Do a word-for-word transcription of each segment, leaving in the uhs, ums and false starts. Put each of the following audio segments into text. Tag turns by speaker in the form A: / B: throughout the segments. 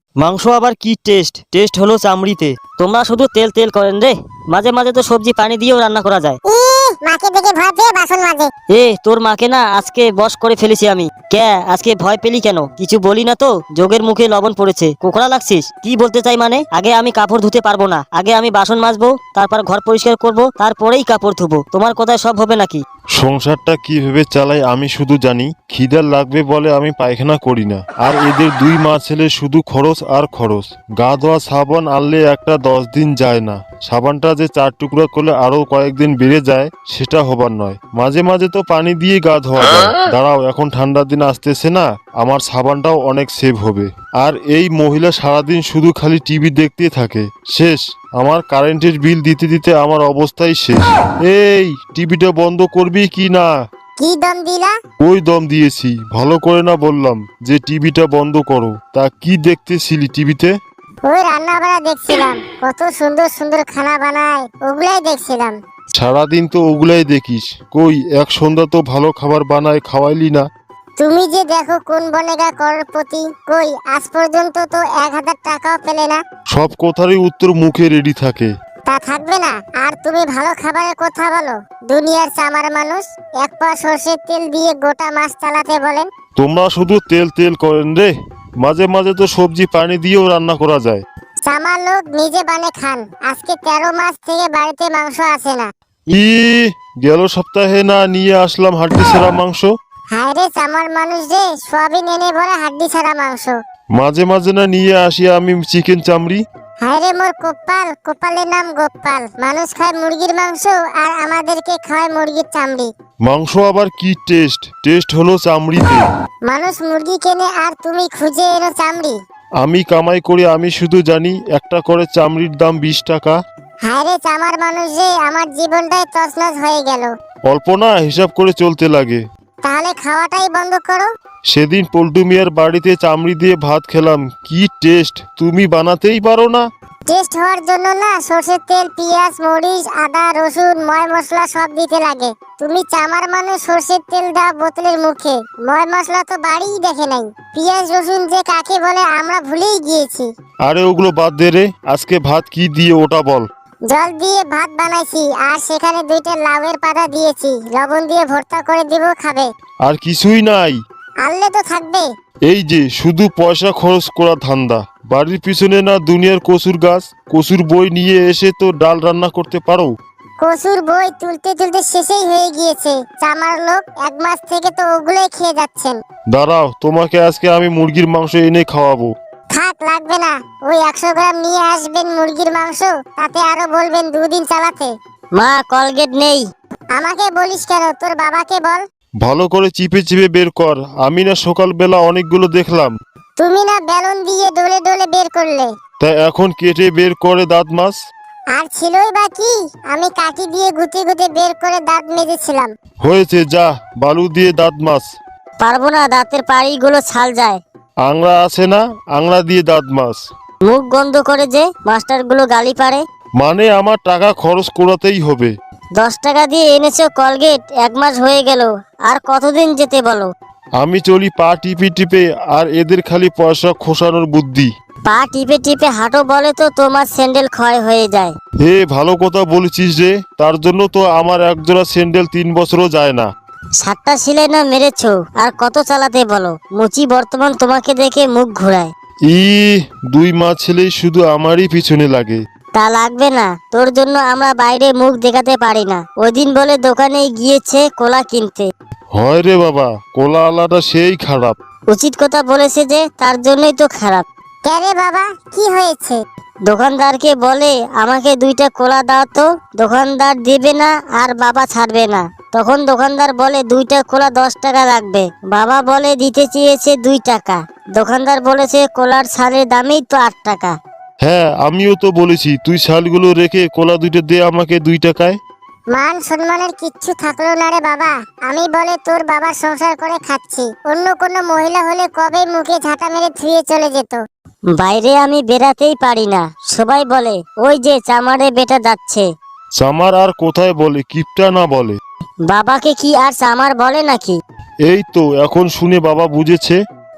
A: মাংস আবার কি টেস্ট? টেস্ট হলো চামড়িতে। তোমরা শুধু তেল তেল করেন রে। মাঝে মাঝে তো সবজি পানি দিয়েও রান্না করা যায়।
B: ই মাকে দেখে ভয় পেয়ে বাসন মাজে।
A: এ তোর মাকে না আজকে বশ করে ফেলেছি আমি। কে আজকে ভয় পেলি কেন? কিছু বলি না তো? যোগের মুখে লবণ পড়েছে, কোকড়া লাগছিস? কি বলতে চাই মানে? আগে আমি কাপড় ধুতে পারবো না, আগে আমি বাসন মাজবো, তারপর ঘর পরিষ্কার করব, তারপরেই কাপড় ধুবো। তোমার কথায় সব হবে নাকি?
C: সংসারটা কিভাবে চালাই আমি শুধু জানি। খিদার লাগবে বলে আমি পায়খানা করি না। আর এদের দুই মা ছেলে শুধু খরচ আর খরচ। গা ধোয়া সাবান আনলে একটা দশ দিন যায় না। সাবানটা যে চার টুকরা করলে আরো কয়েকদিন বেড়ে যায় সেটা হবার নয়। মাঝে মাঝে তো পানি দিয়ে গা ধোয়া যায়। দাঁড়াও, এখন ঠান্ডার দিন আসতেছে না, আমার সাবানটাও অনেক সেভ হবে। আর এই মহিলা সারাদিন শুধু খালি টিভি দেখতে থাকে। শেষ, আমার কারেন্টের বিল দিতে দিতে আমার অবস্থাই শেষ। এই টিভিটা বন্ধ করবি কি না?
B: কি দম দিলা?
C: ওই দম দিয়েছি, ভালো করে না বললাম যে টিভিটা বন্ধ করো। তা কি দেখতেছিলি টিভিতে?
B: ওই রান্না বাড়া দেখছিলাম, কত সুন্দর সুন্দর খানা বানায়, ওগুলাই দেখছিলাম।
C: সারাদিন তো ওগুলাই দেখিস, কই এক সন্ধ্যা তো ভালো খাবার বানায় খাওয়াইলি না।
B: তুমি যে দেখো কোন বনেগা করপতি, কই আজ পর্যন্ত তো এক হাজার টাকাও পেলে না।
C: সব কথারই উত্তর মুখে রেডি থাকে।
B: তা থাকবে না? আর তুমি ভালো খাবারের কথা বলো? দুনিয়ার চামার মানুষ এক পা সর্ষের তেল দিয়ে গোটা মাছ চালাতে বলেন।
C: তোমরা শুধু তেল তেল করেন রে। মাঝে মাঝে তো সবজি পানি দিয়েও রান্না করা যায়।
B: চামার লোক নিজে বানে খান। আজকে তেরো মাস থেকে বাড়িতে মাংস আসে না।
C: ই গেল সপ্তাহে না নিয়ে আসলাম হাড্ডি ছাড়া মাংস।
B: হায় রে চামার মানুষ রে, সবই নেনে ভরা হাড্ডি ছাড়া মাংস।
C: মাঝে মাঝে না নিয়ে আসি আমি চিকেন চামড়ি।
B: হায় রে মোর কপাল, কপালের নাম গোপাল। মানুষ খায় মুরগির মাংস আর আমাদেরকে খায় মুরগির চামড়ি।
C: মাংস আবার কি টেস্ট? টেস্ট হলো চামড়িতে।
B: মানুষ মুরগি কেনে আর তুমি খুঁজে এনো চামড়ি।
C: আমি কামাই করে আমি শুধু জানি একটা করে চামড়ির দাম বিশ টাকা।
B: হায় রে চামার মানুষ রে, আমার জীবনটাই তছনছ হয়ে গেল।
C: অল্প না, হিসাব করে চলতে লাগে।
B: তাহলে খাওয়াটাই বন্ধ করো।
C: সেদিন পল্টু মিয়ার বাড়িতে চামড়ি দিয়ে ভাত খেলাম, কি টেস্ট! তুমি বানাতেই পারো না?
B: টেস্ট হওয়ার জন্য না সরষের তেল, পেঁয়াজ, মরিচ, আদা, রসুন, ময় মশলা সব দিতে লাগে। তুমি চামার মানুষ সরষের তেল দাও বোতলের মুখে, ময় মশলা তো বাড়িই দেখে নাই। পেঁয়াজ রসুন যে কাকে বলে আমরা ভুলেই গিয়েছি।
C: আরে ওগুলো বাদ দে রে, আজকে ভাত কি দিয়ে ওটা বল।
B: জল দিয়ে ভাত বানাইছি আর সেখানে দুইটা লাউয়ের পাতা দিয়েছি, লবণ দিয়ে ভর্তা করে দিব, খাবে?
C: আর কিছুই নাই।
B: আনলে তো থাকবে।
C: এই যে শুধু পয়সা খরচ করা ধান্দা। বাড়ির পিছনে না দুনিয়ার কচুর গাছ, কচুর বই নিয়ে এসে তো ডাল রান্না করতে পারো।
B: কচুর বই তুলতে তুলতে শেষেই হয়ে গিয়েছে। চামার লোক এক মাস থেকে তো ওগুলোই খেয়ে যাচ্ছেন।
C: দাঁড়াও, তোমাকে আজকে আমি মুরগির মাংস এনে খাওয়াবো।
B: থাক, লাগবে না। ওই একশো গ্রাম নিয়ে আসবেন মুরগির মাংস, তাতে আরো বলবেন দুদিন চালাতে।
A: মা কলগেট নেই।
B: আমাকে বলিস কেন? তোর বাবাকে বল।
C: ভালো করে চিপে চিপে বের কর। আমি না সকালবেলা অনেকগুলো দেখলাম।
B: তুমি না বেলুন দিয়ে ডলে ডলে বের করলে।
C: তা এখন কেটে বের করে দাঁত মাছ।
B: আর ছিলই বা কি? আমি কাঠি দিয়ে গুতে গুতে বের করে দাঁত মেজেছিলাম।
C: হয়েছে, যা বালু দিয়ে দাঁত মাছ।
A: পারবো না, দাঁতের পাড়িগুলো ছাল যায়।
C: আংড়া আছে না, আংড়া দিয়ে দাঁত মাছ।
A: মুখ গন্ধ করে যে মাস্টারগুলো গালি পারে।
C: মানে আমার টাকা খরচ করাতেই হবে।
A: দশ টাকা দিয়ে এনেছো কলগেট, এক মাস হয়ে গেল, আর কতদিন যেতে বলো?
C: আমি চলি পা টিপে টিপে, আর এদের খালি পয়সা খোসানোর বুদ্ধি।
A: পা টিপে টিপে হাঁটো বলে তো তোমার স্যান্ডেল ক্ষয় হয়ে যায়।
C: হে ভালো কথা বলেছিস রে, তার জন্য তো আমার একজোড়া স্যান্ডেল তিন বছরও যায় না।
A: সাতটা সিলাই না মেরেছো, আর কত চালাতে বলো? মুচি বর্তমান তোমাকে দেখে মুখ ঘুরায়।
C: ই দুই মা ছেলেই শুধু আমারই পিছনে লাগে।
A: তা লাগবে না, তোর জন্য আমরা বাইরে মুখ দেখাতে পারি না। ওই দিন বলে দোকানে গিয়েছে কোলা কিনতে।
C: হয় রে বাবা, কোলা আলাটা সেই খারাপ।
A: উচিত কথা বলেছে যে, তার জন্যই তো খারাপ।
B: কেরে বাবা, কি হয়েছে?
A: দোকানদারকে বলে আমাকে দুইটা কোলা দাও তো। দোকানদার দেবে না আর বাবা ছাড়বে না। তখন দোকানদার বলে দুইটা কোলা দশ টাকা লাগবে। বাবা বলে দিতে চেয়েছে দুই টাকা। দোকানদার বলেছে কোলার ছাড়ের দামেই তো আট টাকা।
C: হ্যাঁ, আমিও তো বলেছি তুই শালগুলো রেখে কোলা দুইটা দে আমাকে দুই টাকায়।
B: মান সম্মানের কিচ্ছু থাকলো না রে বাবা। আমি বলে তোর বাবার সংসার করে খাচ্ছি। অন্য কোনো মহিলা হলে কবে মুখে ঝাঁটা মেরে ধুয়ে চলে যেত।
A: বাইরে আমি বেরাতেই পারি না। সবাই বলে ওই যে চামারে বেটা যাচ্ছে।
C: চামার আর কোথায় বলে, কিপটা না বলে।
A: বাবাকে কি আর চামার বলে নাকি?
C: এই তো এখন শুনে বাবা বুঝেছে।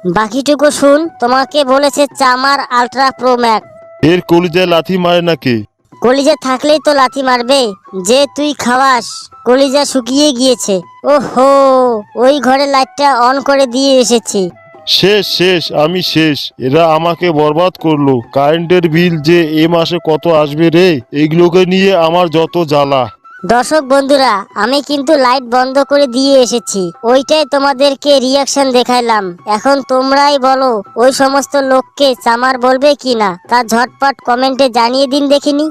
A: বাকিটুকু শুন, তোমাকে বলেছে চামার আলট্রা প্রো ম্যাক্স।
C: এর কলিজায় লাথি মারে নাকি?
A: কলিজা থাকলেই তো লাথি মারবে। যে তুই খাওয়াস, কলিজা শুকিয়ে গিয়েছে। ওহো, ওই ঘরে লাইটটা অন করে দিয়ে এসেছি।
C: শেষ শেষ আমি শেষ। এরা আমাকে বরবাদ করলো। কারেন্টের বিল যে এ মাসে কত আসবে রে, এগুলোকে নিয়ে আমার যত জ্বালা।
A: দর্শক বন্ধুরা, আমি কিন্তু লাইট বন্ধ করে দিয়ে এসেছি। ওইটাই তোমাদেরকে রিয়াকশন দেখাইলাম। এখন তোমরাই বলো, ওই সমস্ত লোককে চামার বলবে কি না, তা ঝটপট কমেন্টে জানিয়ে দিন দেখিনি।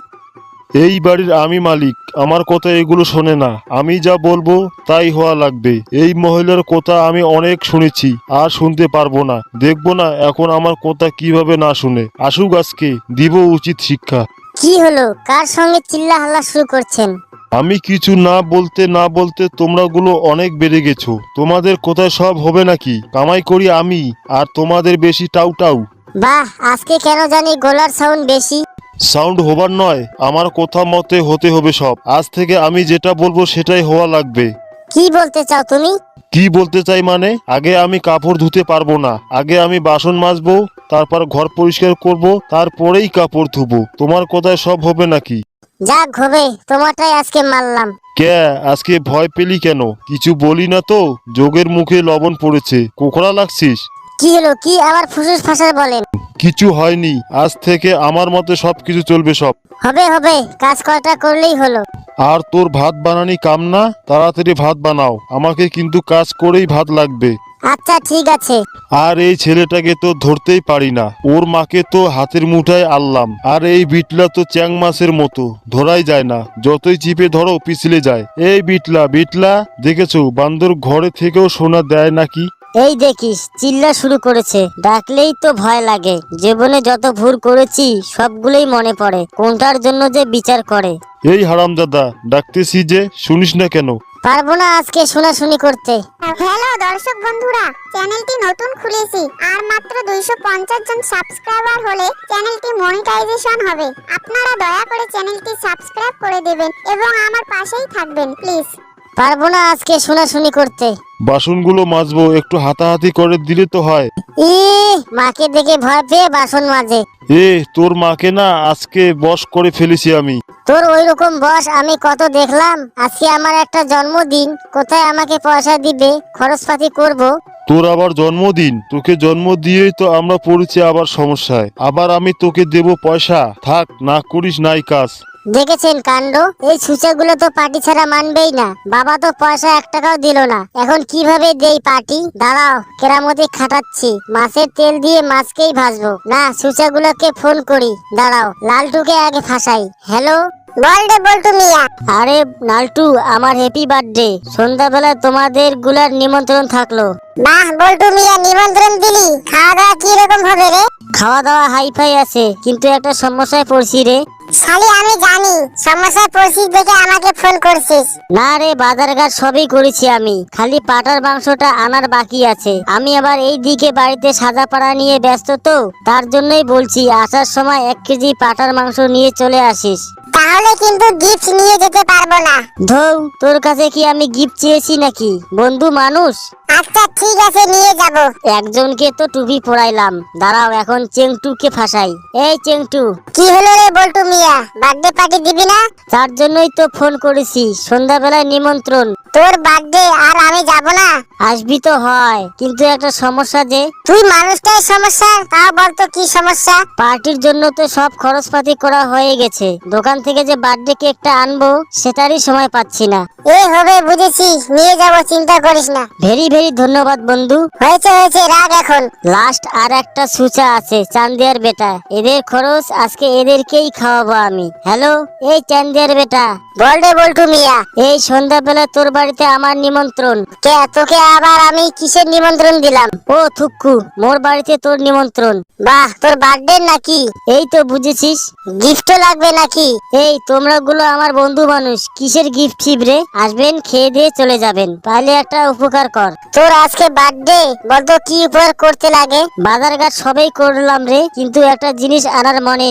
C: এই বাড়ির আমি মালিক, আমার কথা এগুলো শোনে না। আমি যা বলবো তাই হওয়া লাগবে। এই মহিলার কথা আমি অনেক শুনেছি, আর শুনতে পারবো না। দেখবো না এখন আমার কথা কিভাবে না শুনে। আসুক আজকে, দিব উচিত শিক্ষা।
A: কি হলো, কার সঙ্গে চিল্লা হাল্লা শুরু করছেন?
C: আমি কিছু না বলতে না বলতে তোমরাগুলো অনেক বেড়ে গেছো। তোমাদের কোথায় সব হবে নাকি? কামাই করি আমি, আর তোমাদের বেশি টাউ টাউ।
A: বাহ, আজকে কেন জানি গলার সাউন্ড বেশি।
C: সাউন্ড হবার নয়, আমার কথা মতে হতে হবে সব। আজ থেকে আমি যেটা বলবো সেটাই হওয়া লাগবে।
A: কি বলতে চাও তুমি?
C: কি বলতে চাই মানে, আগে আমি কাপড় ধুতে পারবো না। আগে আমি বাসন মাজবো, তারপর ঘর পরিষ্কার করব, তারপরেই কাপড় ধুবো। তোমার কথায় সব হবে নাকি?
A: যাক হবে, তোমারটাই আজকে মারলাম।
C: কে আজকে ভয় পেলি কেন? কিছু বলি না তো? যোগের মুখে লবণ পড়েছে, কোকড়া লাগছিস?
A: কি হলো, কি আবার ফুসুস ফাঁসাস বলেন?
C: কিছু হয়নি। আজ থেকে আমার মতে সবকিছু চলবে সব।
A: হবে হবে, কাজ কয়টা করলেই হলো।
C: আর তোর ভাত বানানি কাম না? তাড়াতাড়ি ভাত বানাও, আমাকে কিন্তু কাজ করেই ভাত লাগবে।
A: আচ্ছা ঠিক আছে।
C: আর এই ছেলেটাকে তো ধরতেই পারি না। ওর মাকে তো হাতের মুঠায় আনলাম, আর এই বিটলা তো চ্যাং মাছের মতো, ধরাই যায় না। যতই চিপে ধরো পিছলে যায়। এই বিটলা বিটলা, দেখেছো বান্দর ঘরে থেকেও সোনা দেয় নাকি?
A: এই দেখিস, চিল্লা শুরু করেছে। ডাকলেই তো ভয় লাগে। জীবনে যত ভুল করেছি সবগুলোই মনে পড়ে, কোনটার জন্য যে বিচার করে।
C: এই হারামজাদা, ডাকতেছি যে শুনিস না কেন?
A: পারবো না আজকে শোনাশুনি করতে।
B: হ্যালো দর্শক বন্ধুরা, চ্যানেলটি নতুন খুলেছি আর মাত্র দুইশো পঞ্চাশ জন সাবস্ক্রাইবার হলে চ্যানেলটি মনিটাইজেশন হবে। আপনারা দয়া করে চ্যানেলটি সাবস্ক্রাইব করে দেবেন এবং আমার পাশেই থাকবেন প্লিজ।
A: পারবো না আজকে শোনাশুনি করতে।
C: বাসনগুলো মাজবো, একটু হাতাহাতি করে দিলে তো হয়।
A: ই মাকে দেখে ভয় পেয়ে বাসন মাজে।
C: এ তোর মাকে না আজকে বশ করে ফেলেছি আমি।
A: তোর ওই রকম বস আমি কত দেখলাম। আজকে আমার একটা জন্মদিন, কোথায় আমাকে পয়সা দিবে, খরচপাতি করব।
C: তোর আবার জন্মদিন? তোকে জন্ম দিয়েই তো আমরা পড়েছি আবার সমস্যায়। আবার আমি তোকে দেব পয়সা? থাক, না করিস নাই কাজ।
A: দেখেছেন কাণ্ড, এই ছুঁচাগুলো তো পার্টি ছাড়া মানবেই না। বাবা তো পয়সা এক টাকাও দিল না, এখন কিভাবে দেই পার্টি? দাঁড়াও, কেরামতি খাটাচ্ছি। মাছের তেল দিয়ে মাছকেই ভাজবো না, ছুঁচাগুলোকে ফোন করি। দাঁড়াও, লালটুকে আগে ফাঁসাই। হ্যালো,
B: বল রে বল্টু মিয়া।
A: আরে নালটু, আমার হ্যাপি বার্থডে। সন্ধ্যাবেলা তোমাদের গুলার নিমন্ত্রণ থাকলো।
B: বাহ বল্টু মিয়া, নিমন্ত্রণ দিলি, খাওয়া দাওয়া কি রকম হবে রে?
A: খাওয়া দাওয়া হাইফাই আছে, কিন্তু একটা সমস্যায় পড়ছি রে।
B: শালি আমি জানি সমস্যায় পড়ছিস দেখে আমাকে ফোন করছিস।
A: না রে, বাজার ঘাট সবই করেছি আমি, খালি পাটার মাংসটা আনার বাকি আছে। আমি আবার এই দিকে বাড়িতে সাজা পাড়া নিয়ে ব্যস্ত তো, তার জন্যই বলছি আসার সময় এক কেজি পাটার মাংস নিয়ে চলে আসিস।
B: তাহলে কিন্তু গিফট নিয়ে যেতে পারবো না।
A: ধৌ, তোর কাছে কি আমি গিফট চেয়েছি নাকি? বন্ধু মানুষ।
B: আচ্ছা ঠিক আছে, নিয়ে যাব।
A: একজনকে তো টুপি পরাইলাম, দাঁড়াও এখন চেংটুকে ফাঁসাই। এই চেংটু,
B: কি হলো রে বল্টু মিয়া, বার্থডে পার্টি দিবি না?
A: তার জন্যই তো ফোন করেছি, সন্ধ্যাবেলায় নিমন্ত্রণ।
B: তোর বার্থডে আর আমি যাব না?
A: আসবি তো হয়, কিন্তু একটা সমস্যা যে।
B: তুই মানুষটাই সমস্যা, তাও বলতো কি সমস্যা?
A: পার্টির জন্য তো সব খরচপাতি করা হয়ে গেছে, দোকান থেকে যে বার্থডে কেকটা আনবো সেটারই সময় পাচ্ছি না।
B: এই হবে, বুঝেছি, নিয়ে যাব, চিন্তা করিস না।
A: ভেরি ভেরি ধন্যবাদ বন্ধু।
B: হয়েছে হয়েছে, রাগ এখন।
A: লাস্ট আর একটা সুচা আছে, চান্দিয়ার বেটা। এদের খরচ আজকে এদেরকেই খাওয়াবো আমি। হ্যালো, এই চান্দিয়ার বেটা,
B: বল রে বল্টু মিয়া।
A: এই সন্ধ্যাবেলা তোর বাড়িতে আমার নিমন্ত্রণ।
B: কে তোকে আবার আমি কিসের নিমন্ত্রণ দিলাম?
A: ও থুক্কু, মোর বাড়িতে তোর নিমন্ত্রণ।
B: বাহ, তোর বার্থডে নাকি?
A: এই তো বুঝেছিস।
B: গিফটও লাগবে নাকি?
A: এই তোমরা গুলো আমার বন্ধু মানুষ, কিসের গিফট ছিবরে? আসবেন, খেয়ে দিয়ে চলে যাবেন, পারলে একটা উপকার কর।
B: তোর আজকে বার্থডে, বলতো কি উপহার করতে লাগে?
A: বাজার ঘাট সবই করলাম রে, কিন্তু একটা জিনিস আনার মনে নেই।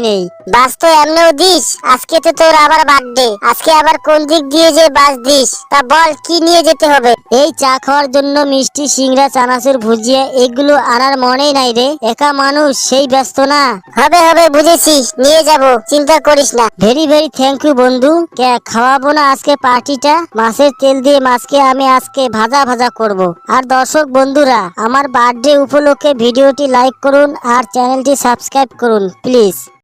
B: বাস তো এমনিও দিস, আজকে তো তোর আবার বার্থডে, আজকে আবার কোন দিক দিয়ে যে বাস দিস, তা বল কি নিয়ে যেতে হবে?
A: এই চা খাওয়ার জন্য মিষ্টি, সিংড়া, চানাচুর, ভুজিয়া এগুলো আনার মনেই নাই রে। একা মানুষ, সেই ব্যস্ত না।
B: হবে হবে বুঝেছি, নিয়ে যাব, চিন্তা করিস না।
A: ভেরি ভেরি থ্যাংক ইউ বন্ধু। কে খাওয়াবো না আজকে পার্টিটা? মাছের তেল দিয়ে মাছকে আমি আজকে ভাজা ভাজা করব। আর দর্শক বন্ধুরা, আমার বার্থডে উপলক্ষে ভিডিওটি লাইক করুন আর চ্যানেলটি সাবস্ক্রাইব করুন প্লিজ।